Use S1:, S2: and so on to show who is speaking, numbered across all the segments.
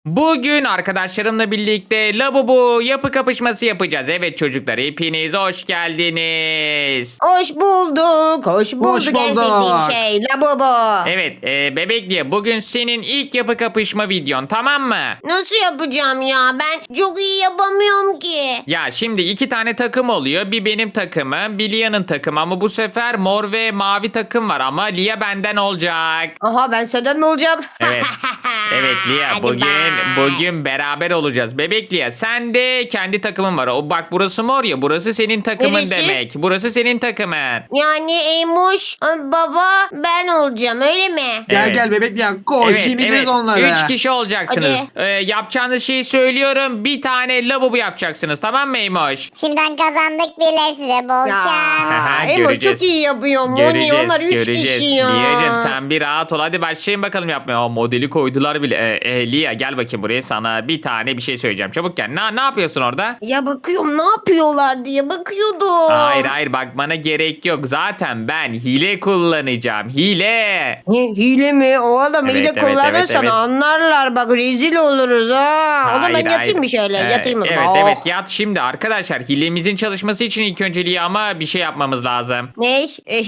S1: Bugün arkadaşlarımla birlikte Labubu yapı kapışması yapacağız. Evet çocuklar hepiniz hoş geldiniz.
S2: Hoş bulduk. Hoş bulduk.
S3: Hoş
S2: En
S3: bulduk.
S2: sevdiğim şey Labubu.
S1: Evet bebek diye bugün senin ilk yapı kapışma videon, tamam mı?
S2: Nasıl yapacağım ya? Ben çok iyi yapamıyorum ki.
S1: Ya şimdi iki tane takım oluyor. Bir benim takımım, bir Lia'nın takımı ama bu sefer mor ve mavi takım var ama Lia benden olacak.
S2: Aha ben senden mi olacağım?
S1: Evet. Evet Lia
S2: Hadi
S1: bugün
S2: bye.
S1: bugün beraber olacağız. Bebek Lia sen de kendi takımın var. O bak burası mor ya, burası senin takımın
S2: Neresi?
S1: demek. Burası senin takımın.
S2: Yani Eymuş baba ben olacağım öyle mi?
S3: Gel
S1: Evet.
S3: gel bebek ya koş yeneceğiz onları.
S1: 3 kişi olacaksınız. Yapacağınız şeyi söylüyorum. Bir tane lavabo yapacaksınız. Tamam mı Eymoş?
S4: Şimdiden kazandık bile size bol şans.
S1: Aha,
S2: Eymuş
S1: göreceğiz.
S2: çok iyi yapıyor. Moni onlar 3 kişi ya.
S1: Liyacım sen bir rahat ol. Hadi başlayın bakalım yapmaya. Aa, modeli koydular bile. Liya gel bakayım buraya, sana bir tane bir şey söyleyeceğim. Çabuk gel. Ne yapıyorsun orada?
S2: Ya bakıyorum ne yapıyorlar diye bakıyordum.
S1: Hayır bakmana gerek yok. Zaten ben hile kullanacağım. Hile.
S2: Ne hile mi? O adam
S1: Evet,
S2: hile
S1: evet,
S2: kullanırsan
S1: evet.
S2: anlarlar bak rezil oluruz ha. O zaman ben yatayım mı şöyle? Yatayım mı?
S1: Evet
S2: Oh.
S1: evet yat şimdi arkadaşlar. Hilemizin çalışması için ilk önceliği ama bir şey yapmamız lazım.
S2: Ne?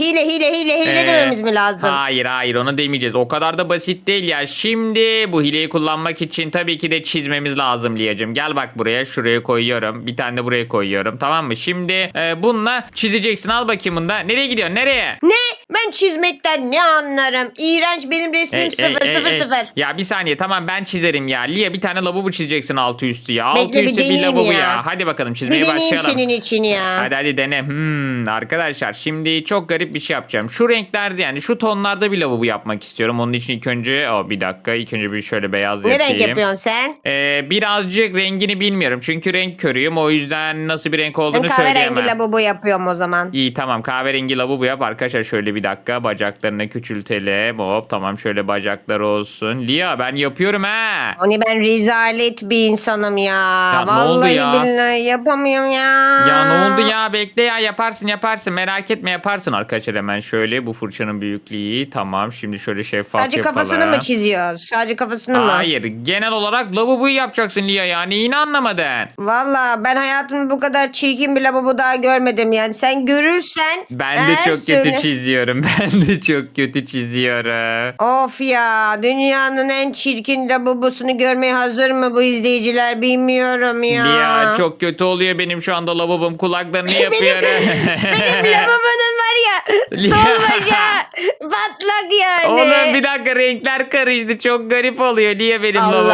S2: Hile
S1: Ee,
S2: dememiz mi lazım?
S1: Hayır onu demeyeceğiz. O kadar da basit değil ya. Şimdi bu hileyi kullanmak için tabii ki de çizmemiz lazım Liyacığım. Gel bak buraya, şuraya koyuyorum. Bir tane de buraya koyuyorum, tamam mı? Şimdi bununla çizeceksin. Al bakayım bunu da. Nereye gidiyorsun? Nereye?
S2: Ne? Ben çizmekten ne anlarım? İğrenç benim resmim
S1: Ey,
S2: 000.
S1: Ya bir saniye, tamam ben çizerim ya. Liya bir tane lavabo çizeceksin altı üstü ya. Altı
S2: Bekle, bir
S1: üstü bir
S2: deneyeyim
S1: lavabo
S2: ya.
S1: ya. Hadi bakalım
S2: Bir
S1: çizmeye
S2: deneyeyim
S1: başlayalım.
S2: senin için ya.
S1: Hadi dene. Arkadaşlar şimdi çok garip bir şey yapacağım. Şu renklerde, yani şu tonlarda bir lavabo yapmak istiyorum. Onun için ilk önce bir dakika. İlk önce bir şöyle beyaz
S2: Ne
S1: yapayım.
S2: renk yapıyorsun sen?
S1: Birazcık rengini bilmiyorum. Çünkü renk körüyüm. O yüzden nasıl bir renk
S2: Ben
S1: olduğunu
S2: kahverengi
S1: söyleyemem.
S2: lavabo yapıyorum o zaman.
S1: İyi tamam, kahverengi lavabo yap arkadaşlar. Şöyle bir dakika bacaklarını küçültelim. Hop tamam, şöyle bacaklar olsun. Lia ben yapıyorum ha.
S2: Hani ben rezalet bir insanım ya.
S1: Ya ne oldu
S2: Vallahi
S1: ya?
S2: billahi yapamıyorum ya.
S1: Ya ne oldu ya, bekle ya, yaparsın merak etme, yaparsın arkadaşlar. Hemen şöyle bu fırçanın büyüklüğü tamam, şimdi şöyle şeffaf
S2: Sadece
S1: yapalım.
S2: kafasını mı çiziyoruz? Sadece kafasını mı?
S1: Hayır, genel olarak lavaboyu yapacaksın Lia, yani yine anlamadın.
S2: Valla ben hayatımda bu kadar çirkin bir lavabo daha görmedim yani. Sen görürsen...
S1: Ben de
S2: eğer
S1: çok kötü
S2: söyle-
S1: çiziyorum. Ben de çok kötü çiziyorum.
S2: Of ya, dünyanın en çirkin lavabosunu görmeye hazır mı bu izleyiciler bilmiyorum ya.
S1: Lia çok kötü oluyor benim şu anda lavabom, kulaklarını yapıyorum.
S2: Benim lavabonun var ya sol bacağı patlak yani.
S1: Oğlum bir dakika, renkler karıştı, çok garip oluyor. Niye benim lavabom?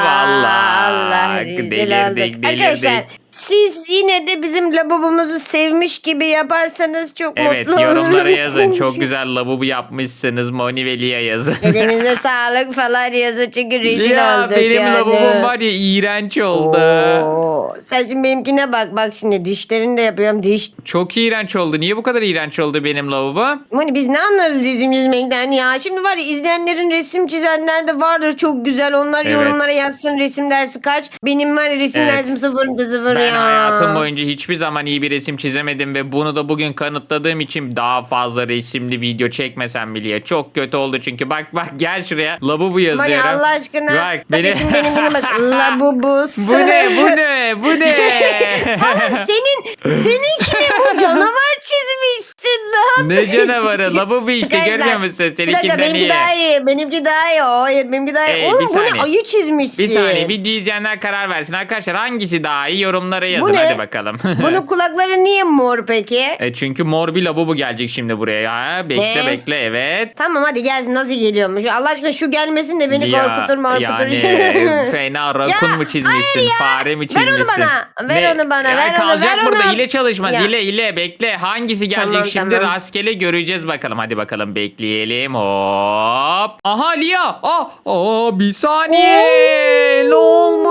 S2: Allah rezil
S1: Delirdik
S2: olduk. Arkadaşlar siz yine de bizim lavabomuzu sevmiş gibi yaparsanız çok
S1: Evet,
S2: mutlu olurum.
S1: yorumlara yazın. Çok güzel lavabo yapmışsınız. Moni ve Lia yazın.
S2: Elinize sağlık falan yazın çünkü rezil
S1: Ya
S2: olduk
S1: benim
S2: yani.
S1: lavabom var ya, iğrenç oldu.
S2: Oo, sen şimdi benimkine bak. Bak şimdi dişlerini de yapıyorum. Diş.
S1: Çok iğrenç oldu. Niye bu kadar iğrenç oldu benim lavabo?
S2: Hani biz ne anlarız resim çizmekten ya. Şimdi var ya, izleyenlerin resim çizenler de vardır çok güzel. Onlar
S1: Evet.
S2: yorumlara yazsın resim dersi kaç. Benim var ya resim
S1: Evet.
S2: dersim 0'da 0
S1: Ben
S2: ya.
S1: hayatım boyunca hiçbir zaman iyi bir resim çizemedim ve bunu da bugün kanıtladığım için daha fazla resimli video çekmesem bile. Çok kötü oldu çünkü. Bak gel şuraya. Lavabo yazıyorum.
S2: Mani Allah aşkına.
S1: Bak,
S2: Kardeşim benimkine bak. Labubus.
S1: Bu ne?
S2: Oğlum seninkine bu canavar çizmişsin lan.
S1: Ne canavarı? Lavabo işte,
S2: Arkadaşlar,
S1: görmüyor musun?
S2: Bir dakika
S1: Seninkinden
S2: benimki
S1: iyi.
S2: daha iyi. Benimki daha iyi. Hayır benimki daha iyi.
S1: Bir
S2: Oğlum bu ne,
S1: saniye.
S2: ayı çizmişsin.
S1: Bir saniye, video izleyenler karar versin. Arkadaşlar hangisi daha iyi, yorumlara yazın.
S2: Bu ne?
S1: Hadi bakalım.
S2: Bunun kulakları niye mor peki?
S1: Çünkü mor bir lavabo gelecek şimdi buraya. Bekle
S2: Ne?
S1: bekle, evet.
S2: Tamam hadi gelsin, nasıl geliyormuş? Allah aşkına şu gelmesin de beni
S1: Ya,
S2: korkutur.
S1: Yani fena rakun
S2: Ya,
S1: mu çizmişsin?
S2: hayır ya.
S1: Fare mi
S2: Ver
S1: çizmişsin?
S2: onu bana, ver onu bana,
S1: Ya
S2: ver onu,
S1: kalacak
S2: ver
S1: burada,
S2: onu.
S1: hile çalışmaz.
S2: Ya.
S1: Hile bekle. Hangisi gelecek
S2: Tamam,
S1: şimdi?
S2: tamam.
S1: Rastgele göreceğiz bakalım. Hadi bakalım, bekleyelim. Hop. Aha Lia. Bir saniye. Ne olmuş?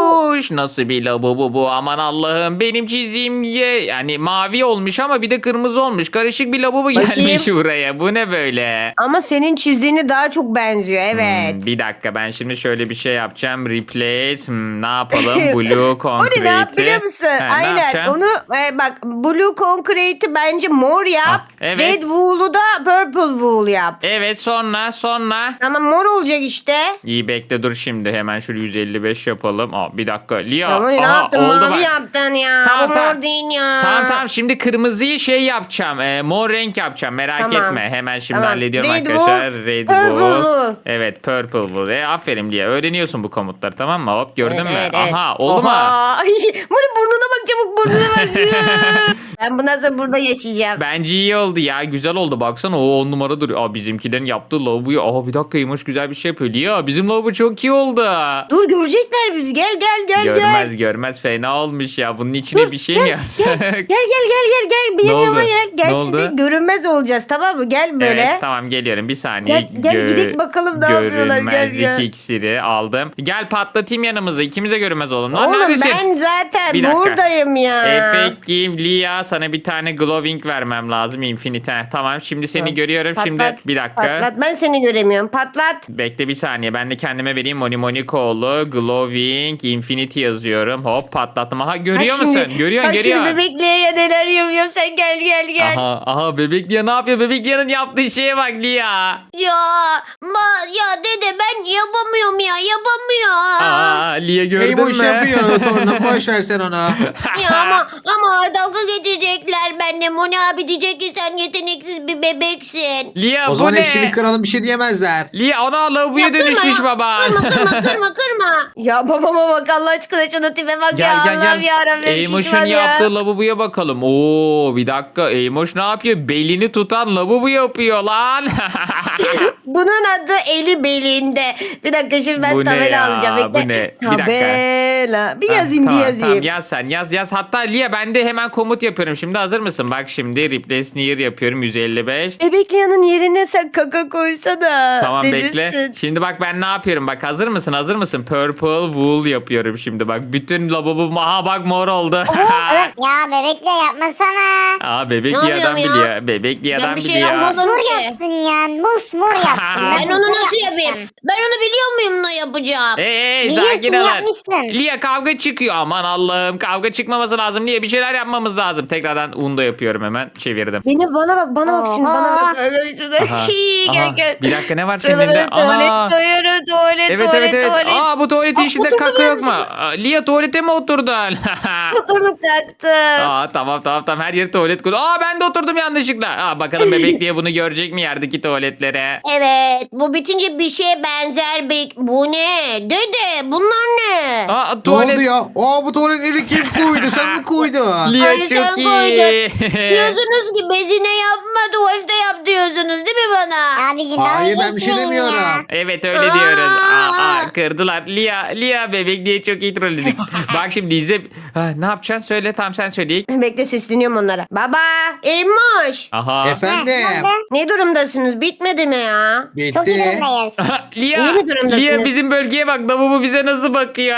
S1: olmuş. Nasıl bir lavabo bu? Aman Allah'ım. Benim çizdiğim yani mavi olmuş ama bir de kırmızı olmuş. Karışık bir lavabo gelmiş buraya. Bu ne böyle?
S2: Ama senin çizdiğine daha çok benziyor evet.
S1: Bir dakika ben şimdi şöyle bir şey yapacağım. Replace. Ne yapalım? Blue
S2: O
S1: Concrete'i.
S2: ne yap biliyor musun?
S1: Ha, ne
S2: Aynen
S1: yapacağım?
S2: onu bak Blue Concrete'i bence mor yap.
S1: Ah, evet.
S2: Red Wool'u da Purple Wool yap.
S1: Evet sonra.
S2: Ama mor olacak işte.
S1: İyi bekle dur şimdi hemen şöyle 155 yapalım. Bir dakika Lia.
S2: Ama ne
S1: Aha,
S2: yaptın?
S1: oldu
S2: Mavi
S1: bak.
S2: yaptın ya.
S1: Tamam,
S2: Bu
S1: tamam.
S2: mor değil ya.
S1: Tamam şimdi kırmızıyı şey yapacağım. Mor renk yapacağım merak
S2: Tamam.
S1: etme. Hemen şimdi
S2: Tamam.
S1: hallediyorum
S2: Red
S1: arkadaşlar.
S2: wool,
S1: Red
S2: purple
S1: wool.
S2: wool.
S1: Evet purple wool. Aferin Lia öğreniyorsun bu komutları tamam mı? Hop gördün mü?
S2: Evet.
S1: Aha oldu mu?
S2: Ay, Moni burnuna bak çabuk burnuna bak. Ben bundan sonra burada yaşayacağım.
S1: Bence iyi oldu ya. Güzel oldu. Baksana o 10 numara duruyor. Bizimkilerin yaptığı lavaboyu. Bir dakika Yumuş güzel bir şey yapıyor. Lia bizim lavabo çok iyi oldu.
S2: Dur görecekler bizi. Gel.
S1: Görmez fena olmuş ya. Bunun içine bir şey mi yapsak?
S2: Gel. Benim
S1: Ne oldu?
S2: yanıma gel. Gel
S1: Ne
S2: şimdi
S1: oldu?
S2: görünmez olacağız tamam mı? Gel böyle.
S1: Evet tamam geliyorum bir saniye.
S2: Gel, gidelim bakalım ne yapıyorlar, gel.
S1: Görünmezlik iksiri aldım. Gel patlatayım yanımızda ikimize görünmez olalım. Lan
S2: Oğlum
S1: neredesin?
S2: ben zaten
S1: Bir dakika.
S2: buradayım ya.
S1: Effective Lia sana bir tane glowing vermem lazım infinite. Tamam şimdi seni görüyorum şimdi bir dakika.
S2: Patlat ben seni göremiyorum. Patlat.
S1: Bekle bir saniye ben de kendime vereyim Monikoğlu glowing infinity yazıyorum. Hop patlattım. Aha görüyor
S2: Bak
S1: musun?
S2: şimdi,
S1: Görüyorsun.
S2: Bak şimdi bebekliğe ya neler yapıyorum sen gel.
S1: Aha Bebek Lia ne yapıyor? Bebek Lia'nın yaptığı şeye bak Lia.
S2: Ya dede ben yapamıyorum ya yapamıyorum.
S1: Lia gördün
S3: Eymoş
S1: mü?
S3: yapıyor torna boş ver sen ona.
S2: Ya ama dalga geçecekler benimle. Moni abi diyecek ki sen yeteneksiz bir bebeksin.
S1: Lia
S3: O
S1: bu
S3: zaman
S1: ne?
S3: hepsini kıralım bir şey diyemezler.
S1: Lia ona lavaboya dönüşmüş baba.
S2: Kırma. Ya babama bak Allah aşkına şuna tipe bak ya Allah'ım yarabbim
S1: Eymoş'un
S2: şişman ya.
S1: yaptığı lavaboya bakalım. Bir dakika Eymoş ne yapıyor? Belini tutan lavabo yapıyor lan.
S2: Bunun adı eli belinde. Bir dakika şimdi ben
S1: Bu ne
S2: tabela
S1: ya?
S2: alacağım. Bekle.
S1: Bu ne? Bir dakika.
S2: Tabela. Bir yazayım.
S1: Tamam yaz sen yaz. Hatta Lia ben de hemen komut yapıyorum. Şimdi hazır mısın? Bak şimdi replace near yapıyorum 155.
S2: Bebekliyanın yerine sen kaka koysana.
S1: Tamam
S2: Delirsin.
S1: bekle. Şimdi bak ben ne yapıyorum? Bak hazır mısın? Purple wool yapıyorum şimdi. Bak bütün lavabom bak mor oldu.
S4: Ya bebekle yapmasana.
S1: Bebek
S2: Ne
S1: Lia'dan
S2: yapıyorum ya?
S1: biliyor. Bebek Lia'dan
S2: Ben bir şey
S1: biliyor.
S2: yapmadım.
S4: Mor yaptın ya. Mor yaptın.
S2: Ben onu nasıl yapayım? Ben onu biliyor muyum ne yapacağım?
S4: Biliyorsun,
S1: Sakin olun.
S4: yapmışsın.
S1: Lia kavga çıkıyor. Aman Allah'ım kavga çıkmaması lazım. Lia bir şeyler yapmamız lazım. Tekrardan un da yapıyorum hemen. Çevirdim.
S2: Bana bak şimdi bana bak.
S1: Aha,
S2: Gel.
S1: Bir dakika ne var senin
S2: Şuralara
S1: elinde?
S2: tuvalet koyuyorum tuvalet.
S1: Evet. Bu tuvaletin içinde
S2: oturdum
S1: kaka yok mu?
S2: yanlışlıkla.
S1: Lia tuvalete mi oturdun?
S2: Oturdum kalktım.
S1: Tamam her yeri tuvalet koy. Ben de oturdum yanlışlıkla. Bakalım bebek diye bunu görecek mi yerdeki tuvaletlere?
S2: Evet bu bitince bir şeye benzer bu ne? Dede bunlar ne?
S3: Ne
S1: Tuvalet.
S3: oldu ya? Bu tuvaletleri kim koydu? Sen mi koydun?
S1: Lia
S2: Ay,
S1: çok
S2: sen
S1: iyi.
S2: koydun. Diyorsunuz ki bezine yapma tuvalete yap diyorsunuz değil mi bana?
S4: Abicim
S3: Hayır
S4: dalga
S3: ben bir şey
S4: geçmeyin
S3: demiyorum.
S4: ya.
S1: Evet öyle diyoruz. Kırdılar. Lia bebek diye çok iyi trolledik. Bak şimdi izle. Ne yapacaksın? Söyle tam sen söyle.
S2: Bekle sesleniyorum onlara. Baba Emoş.
S1: Aha.
S3: Efendim.
S2: Ne durumdasınız? Bitmedi mi ya?
S4: Çok iyi
S3: Bitti.
S4: durumdayız.
S1: Lia,
S2: İyi mi durumdasınız?
S1: Lia bizim bölgeye bak. Lavabo bize nasıl bakıyor?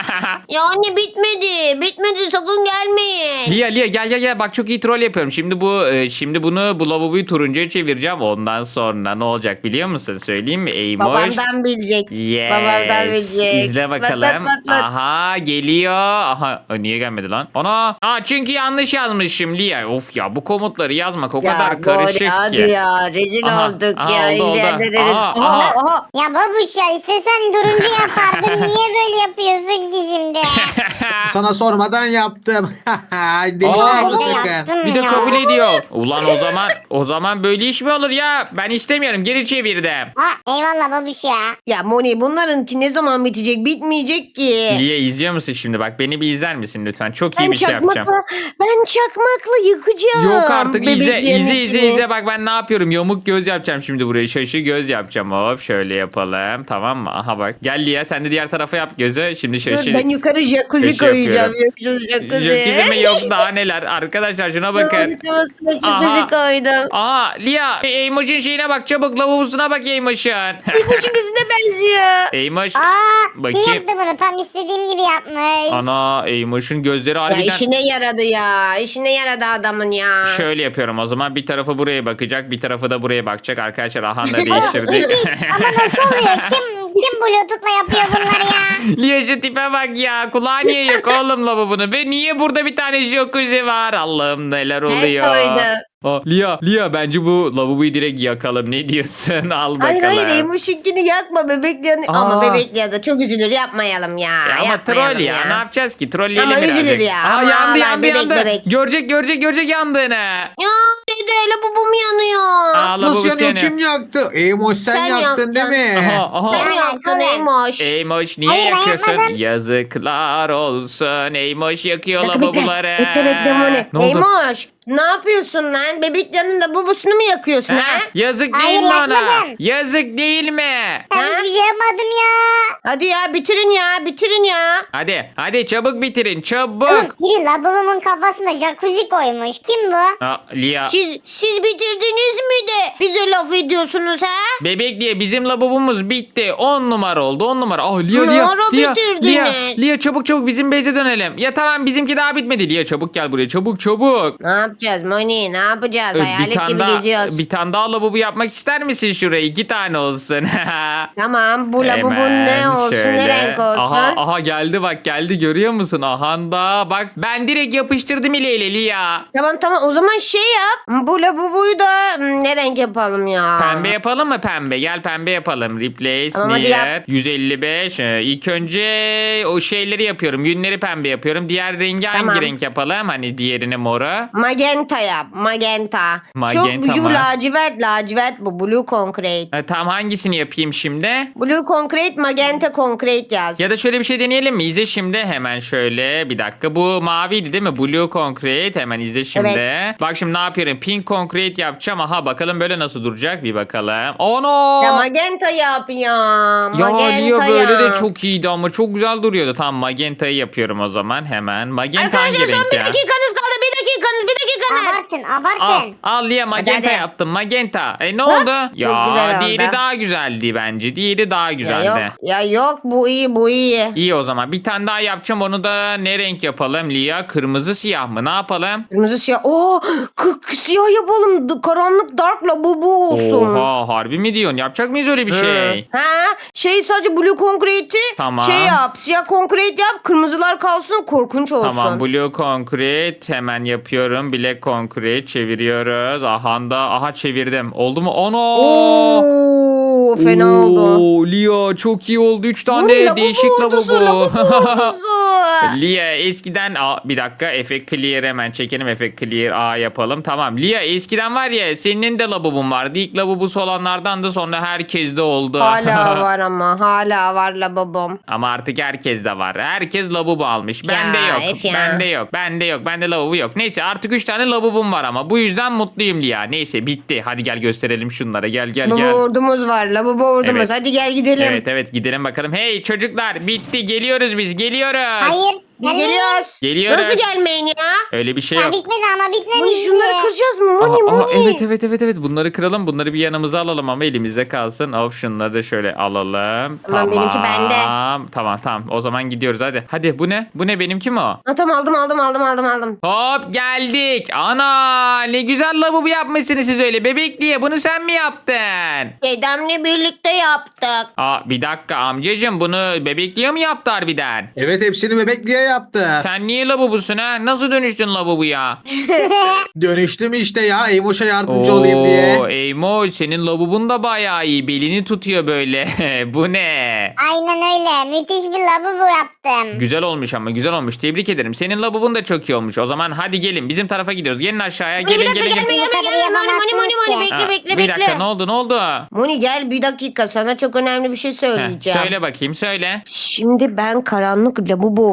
S2: Ya anne bitmedi. Bitmedi sakın gelmeyin.
S1: Lia gel. Bak çok iyi troll yapıyorum. Şimdi bu lavaboyu turuncuya çevireceğim. Ondan sonra ne olacak biliyor musun? Söyleyeyim mi? Eymoş.
S2: Babamdan bilecek.
S1: Yes.
S2: Babamdan bilecek.
S1: İzle bakalım.
S2: Patlat.
S1: Aha geliyor. Niye gelmedi lan? Çünkü yanlış yazmışım Lia. Of ya bu komutları yazmak o kadar karışık ki.
S2: Hadi ya rezil olduk ya.
S1: oldu.
S2: İzleyenlere
S1: Aha.
S2: Aha.
S4: Ya babuş ya istesen turuncu yapardın. Niye böyle yapıyorsun ki şimdi?
S3: Sana sormadan yaptım.
S4: Ben
S3: Değiştirme
S4: de
S3: sakın.
S4: yaptım
S1: Bir de
S4: ya.
S1: kabul ediyor. Ulan o zaman böyle iş mi olur ya? Ben istemiyorum. Geri çevirdim.
S4: Eyvallah babuş ya.
S2: Ya Moni bunlarınki ne zaman bitecek? Bitmeyecek ki.
S1: Lia izliyor musun şimdi? Bak beni bir izler misin lütfen? Çok iyi bir şey yapacağım.
S2: Ben çakmakla yıkacağım.
S1: Yok artık
S2: bebeklerin içini.
S1: izle bak ben ne yapıyorum yamuk göz yapacağım şimdi buraya şaşı göz yapacağım hop şöyle yapalım tamam mı aha bak gel Lia sen de diğer tarafa yap gözü şimdi
S2: Dur
S1: şaşı
S2: ben yukarı jacuzzi
S1: Köşe
S2: koyacağım koyacağım.
S1: yapıyorum.
S2: Yok jacuzzi.
S1: Jacuzzi mi yok daha neler. Arkadaşlar şuna bakın.
S2: Lavabosuna
S1: Aha.
S2: jacuzzi koydum.
S1: Aa Lia Eymoş'un şeyine bak çabuk lavabosuna bak Eymoş'un.
S2: İpucu gözüne benziyor.
S1: Eymoş
S4: Aa, kim
S1: bakayım.
S4: yaptı bunu? Tam istediğim gibi yapmış.
S1: Ana Eymoş'un gözleri
S2: Ya
S1: harbiden.
S2: işine yaradı ya. İşine yaradı adamın ya.
S1: Şöyle yapıyorum o zaman bir tarafı buraya bakacak bir tarafı da buraya bakacak arkadaşlar aha da değiştirdik.
S4: Ama nasıl oluyor? Kim Bluetooth'la yapıyor bunları ya?
S1: Lia şu tipe bak ya kulağı niye yok oğlum lavabonun ve niye burada bir tane jacuzzi var Allah'ım neler oluyor.
S2: koydu.
S1: Aa, Lia bence bu lavaboyu direkt yakalım ne diyorsun al bakalım.
S2: Hayır Emoş'inkini yakma bebeklerini. Ama
S1: Aa.
S2: bebekler de çok üzülür yapmayalım ya.
S1: Ya ama
S2: yapmayalım
S1: troll ya. Ne yapacağız ki? Trolleyelim
S2: Ama
S1: birazcık.
S2: üzülür ya.
S1: Aa,
S2: Ama
S1: yandı
S2: ağlar, bebek.
S1: Görecek yandığını.
S2: Ya dede lavabom yanıyor.
S1: Aa,
S3: Nasıl
S1: lavabo
S3: yanıyor?
S1: yanıyor.
S3: Kim yaktı? Eymoş sen
S2: Sen
S3: yaktın değil
S2: yaktın.
S3: mi?
S1: Aha.
S2: Sen yaktın Emoş.
S1: Eymoş niye
S4: Hayır, ben
S1: yakıyorsun?
S4: yapmadım.
S1: Yazıklar olsun. Eymoş yakıyor
S2: Bekle
S1: lavaboları.
S2: bekle Moni.
S1: Ne oldu?
S2: Emoş ne yapıyorsun lan? Bebeklerin lavabosunu mu yakıyorsun
S1: Ha,
S2: ha?
S1: yazık
S4: Hayır,
S1: değil mi ona?
S4: yakmadım.
S1: Yazık değil mi?
S4: Ben
S2: Ha?
S4: hiçbir şey yapmadım ya.
S2: Hadi ya bitirin ya.
S1: Hadi çabuk bitirin çabuk.
S4: Biri lavabomun kafasına jacuzzi koymuş. Kim bu?
S1: Aa, Lia.
S2: Siz bitirdiniz mi de bize laf ediyorsunuz ha?
S1: Bebek diye bizim lavabomuz bitti. 10 numara oldu 10 numara. Oh Lia
S2: Ne
S1: Lia.
S2: ara
S1: Lia,
S2: bitirdiniz?
S1: Lia çabuk bizim base'e dönelim. Ya tamam bizimki daha bitmedi. Lia çabuk gel buraya çabuk.
S2: Ne yapacağız Moni? Ne yapacağız? Hayalet gibi geziyoruz.
S1: Bir tane daha lavabo yapmak ister misin şuraya? 2 tane olsun.
S2: Tamam bu lavabon
S1: Hemen
S2: ne olsun
S1: şöyle.
S2: ne renk olsun?
S1: Aha geldi bak geldi görüyor musun? Aha da bak ben direkt yapıştırdım ile Lia.
S2: Tamam o zaman şey yap. Bu lavaboyu da ne renk yapalım ya?
S1: Pembe yapalım mı pembe? Gel pembe yapalım. Replace
S2: Tamam, hadi
S1: near
S2: yap.
S1: 155. İlk önce o şeyleri yapıyorum. Yünleri pembe yapıyorum. Diğer rengi
S2: Tamam.
S1: hangi renk yapalım? Hani diğerini moru.
S2: Magenta yap. Magenta.
S1: Magenta
S2: Çok
S1: mı?
S2: lacivert bu. Blue concrete.
S1: Tam hangisini yapayım şimdi?
S2: Blue concrete, magenta concrete yaz.
S1: Ya da şöyle bir şey deneyelim mi? İzle şimdi hemen şöyle bir dakika. Bu maviydi değil mi? Blue concrete hemen izle şimdi. Bak şimdi ne yapıyorum? Pink concrete yapacağım. Aha bakalım böyle nasıl duracak bir bakalım. Ono!
S2: Ya magenta yap ya.
S1: Ya
S2: Magenta
S1: Lia böyle
S2: yap.
S1: de çok iyiydi ama çok güzel duruyordu. Tamam magentayı yapıyorum o zaman hemen. Magenta
S2: Arkadaşlar
S1: hangi
S2: son
S1: renk
S2: bir
S1: ya?
S2: dakikanız kaldı. Bir dakikanız.
S4: Abartın.
S1: Al Lia magenta
S2: Hadi.
S1: yaptım magenta. Ne oldu? Ya
S2: güzel oldu.
S1: diğeri daha güzeldi bence. Diğeri daha
S2: Ya
S1: güzeldi.
S2: yok bu iyi.
S1: İyi o zaman bir tane daha yapacağım onu da ne renk yapalım Lia? Kırmızı siyah mı ne yapalım?
S2: Kırmızı siyah. Oo, siyah yapalım. Karanlık dark lavabo olsun.
S1: Oha harbi mi diyorsun? Yapacak mıyız öyle bir şey?
S2: Ha, sadece blue concrete'i
S1: Tamam.
S2: şey yap. Siyah concrete yap. Kırmızılar kalsın. Korkunç olsun.
S1: Tamam blue concrete hemen yapıyorum. Black concrete çeviriyoruz. Aha çevirdim. Oldu mu? Ono!
S2: Oo, fena oldu.
S1: Oo, Lia çok iyi oldu. 3
S2: Bu
S1: tane
S2: lavabo
S1: değişik
S2: ordusu,
S1: lavabo.
S2: ordusu.
S1: Lia eskiden bir dakika efekt clear hemen çekelim efekt clear A yapalım. Tamam Lia eskiden var ya senin de lavabon vardı. İlk lavabosu olanlardan da sonra herkes de oldu.
S2: Hala var ama. Hala var lavabom.
S1: Ama artık herkes de var. Herkes lavabo almış.
S2: Ya,
S1: Bende yok.
S2: Efe ya.
S1: Bende yok. Bende lavabo yok. Neyse artık 3 tane lavabom var ama bu yüzden mutluyum Lia. Neyse bitti. Hadi gel gösterelim şunlara. Gel.
S2: Lavabo ordumuz var. Lavabo ordumuz.
S1: Evet.
S2: Hadi gel gidelim.
S1: Evet gidelim bakalım. Hey çocuklar bitti. Geliyoruz biz. Geliyoruz.
S4: Hayır.
S2: Biz
S4: gelmeyin.
S2: geliyoruz.
S1: Geliyoruz.
S2: Nasıl gelmeyin ya?
S1: Öyle bir şey
S4: Ya
S1: yok.
S4: bitmedi ama
S2: Moni
S4: bitmemişti.
S2: şunları kıracağız mı?
S1: Aha,
S2: Moni.
S1: evet. Bunları kıralım. Bunları bir yanımıza alalım ama elimizde kalsın. Hop şunları da şöyle alalım.
S2: Tamam, benimki bende.
S1: Tamam. O zaman gidiyoruz hadi. Hadi bu ne? Bu ne benimki mi o?
S2: Ha, tamam aldım.
S1: Hop geldik. Ana ne güzel lavabo yapmışsınız siz öyle. Bebek diye bunu sen mi yaptın?
S2: Dedemle birlikte yaptık.
S1: Bir dakika amcacığım bunu bebekliye mi yaptı harbiden?
S3: Evet hepsini bebekliğe yaptı.
S1: Sen niye lavabosun ha? Nasıl dönüştün lavaboya?
S3: Dönüştüm işte ya Eymoş'a yardımcı olayım diye.
S1: Eymoş senin lavabon da bayağı iyi. Belini tutuyor böyle. Bu ne?
S4: Aynen öyle. Müthiş bir lavabo yaptım.
S1: Güzel olmuş ama güzel olmuş. Tebrik ederim. Senin lavabon da çok iyi olmuş. O zaman hadi gelin. Bizim tarafa gidiyoruz. Gelin aşağıya.
S2: Moni, bir
S1: Gelin
S2: dakika
S1: gelin.
S2: gelme. Moni bekle.
S1: Bir dakika ne oldu?
S2: Moni gel bir dakika sana çok önemli bir şey
S1: Heh,
S2: söyleyeceğim.
S1: söyle bakayım söyle.
S2: Şimdi ben karanlık lavabo olacağım.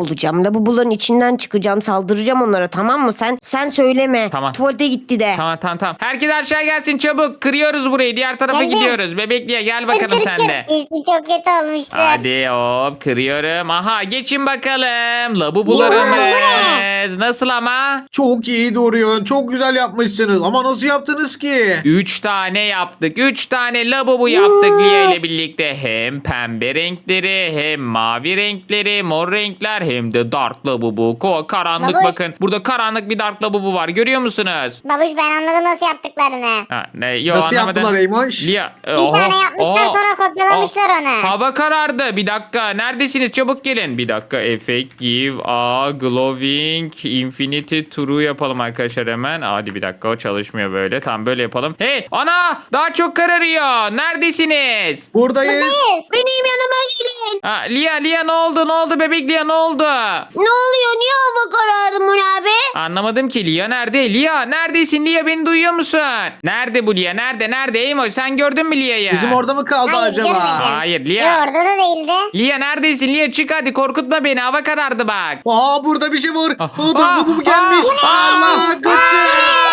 S2: Lavaboların içinden çıkacağım. Saldıracağım onlara, tamam mı? Sen söyleme.
S1: Tamam.
S2: Tuvalete gitti de.
S1: Tamam. Herkes aşağı gelsin çabuk. Kırıyoruz burayı. Diğer tarafa
S4: Geldim.
S1: gidiyoruz. Bebekliye gel bakalım
S4: Kır,
S1: sen de.
S4: İlki çok kötü olmuştur.
S1: Hadi hop kırıyorum. Aha geçin bakalım.
S4: Bu
S1: Labubularımız. Nasıl ama?
S3: Çok iyi duruyor. Çok güzel yapmışsınız. Ama nasıl yaptınız ki?
S1: 3 tane yaptık. 3 tane labubu yaptık Lia ile birlikte. Hem pembe renkleri hem mavi renkleri, mor renkler hem de dark labubu. Karanlık
S4: Babuş.
S1: bakın. Burada karanlık bir dark labubu var. Görüyor musunuz?
S4: Babuş ben anladım nasıl yaptıklarını.
S1: Ha, yo,
S3: Nasıl
S1: anlamadım.
S3: yaptılar Eymoş?
S1: Lia,
S4: Bir tane yapmışlar sonra kopyalamışlar onu.
S1: Hava karardı. Bir dakika. Neredesiniz? Çabuk gelin. Bir dakika. Effect give a glowing infinity true yapalım arkadaşlar hemen. Hadi bir dakika. O çalışmıyor böyle. Tamam böyle yapalım. Hey! Ana! Daha çok kararıyor. Neredesiniz?
S3: Buradayız.
S2: Benim yanıma gelin.
S1: Ha, Lia ne oldu? Ne oldu bebek Lia ne oldu?
S2: Ne oluyor? Niye hava karardı Moni abi?
S1: Anlamadım ki. Lia nerede? Lia neredesin? Lia beni duyuyor musun? Nerede bu Lia? Nerede? Eymoş sen gördün mü Lia'yı?
S3: Bizim orada mı kaldı
S4: Hayır,
S3: acaba?
S4: görmedim.
S1: Hayır
S4: Yo,
S1: Lia.
S4: orada da değildi.
S1: Lia neredesin? Lia çık hadi korkutma beni. Hava karardı bak.
S3: Aa burada bir şey var. Aa,
S1: Aa,
S3: bu gelmiş.
S1: aa,
S3: Allah kaçın.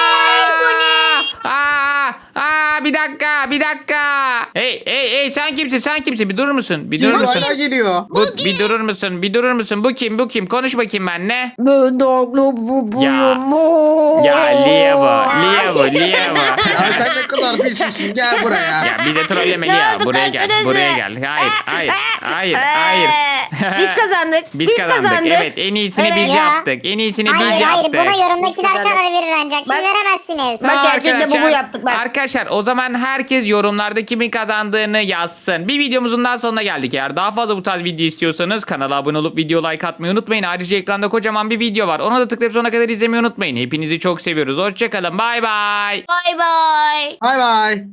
S1: Bir dakika. Hey sen kimsin? Bir durur musun?
S3: Geliyor, hala geliyor.
S1: Bir durur musun? Bu kim? Konuş bakayım benimle.
S2: Ben dark lavabobuyum.
S1: Ya Lia bu.
S3: Ya sen ne kadar pissin. Gel buraya.
S1: Ya bir de trolleme
S2: Ne
S1: Lia.
S2: oldu
S1: Buraya gel.
S2: kartınızı?
S1: Hayır.
S2: Biz kazandık.
S1: Biz kazandık. Evet en iyisini
S2: Evet.
S1: biz
S4: Ya.
S1: yaptık. En iyisini biz
S4: Hayır
S1: yaptık.
S4: buna yorumdakiler
S2: Güzel.
S4: karar verir ancak. Siz
S2: Bak-
S4: veremezsiniz.
S2: Bak,
S1: Tamam
S2: gerçekten
S1: arkadaşlar.
S2: bu yaptık bak.
S1: Arkadaşlar o zaman herkes yorumlarda kimin kazandığını yazsın. Bir videomuzun daha sonuna geldik. Eğer daha fazla bu tarz video istiyorsanız kanala abone olup video like atmayı unutmayın. Ayrıca ekranda kocaman bir video var. Ona da tıklayıp sonuna kadar izlemeyi unutmayın. Hepinizi çok seviyoruz. Hoşçakalın. Bay bay.
S2: Bay bay.
S3: Bay bay.